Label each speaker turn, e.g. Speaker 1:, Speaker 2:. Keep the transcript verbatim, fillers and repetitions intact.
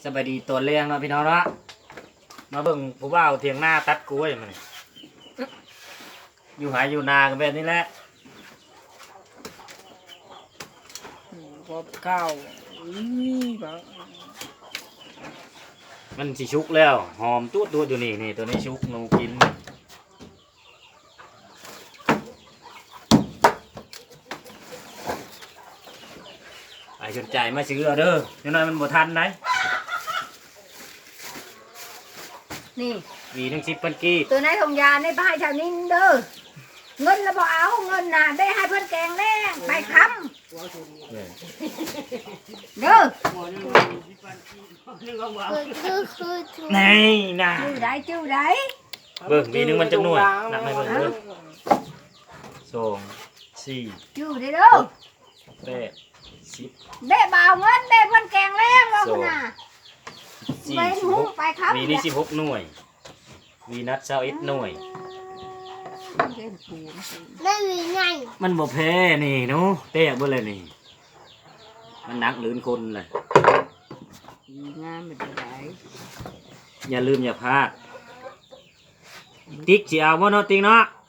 Speaker 1: สบายดีตัวเลี้ยงเนาะพี่น้องเนาะมาเบิ่งผู้บ่าวเถียงหน้าตัดกล้วยมันอยู่หายอยู่นากันแบบนี้แหละ
Speaker 2: พอข้าวนี่บาง
Speaker 1: มันสิชุกแล้วหอมตัวตัวอยู่นี่นี่ตัวนี้ชุกหนูกินไอ้สนใจมาซื้อเอาเด้อเดี๋ยวหน่อยมันบ่ทันได้
Speaker 3: นี่
Speaker 1: วีหนึ่งสิบพันกี้
Speaker 3: ตัวไหนทงยาในบ้านแถวนี้เด้อเงินแล้วบ่เอาเงินน่ะได้ให้เพิ่นแกงแรงไปคำเด้อ
Speaker 1: นี่นะ
Speaker 3: ชื่อใดชื่อใด
Speaker 1: เบิ่งวีหนึงมันจะหน่วยนับให้เบิ่งเด้อสองสี่
Speaker 3: ชื่อใดเด้อ
Speaker 1: แปดสิบ
Speaker 3: ได้บ่าวเงินได้เพิ่นแกงแรงว่าพุ่นน่ะ
Speaker 1: สี่
Speaker 3: ไป
Speaker 1: สิบ
Speaker 3: หู
Speaker 1: หก
Speaker 3: ไปคำ
Speaker 1: วีนี่สิบหกหน่วยวีนัดเช้าเอ็ดหน่วย
Speaker 4: ไม่มีไง
Speaker 1: มันบ่แพ้นี่หนูเตะบ่เลยนี่มันหนักหลืนคนเลย
Speaker 3: งามเป็นได
Speaker 1: อย่าลืมอย่าพลาดติ๊กสิเอาบ่เนาะติ๊กเนาะ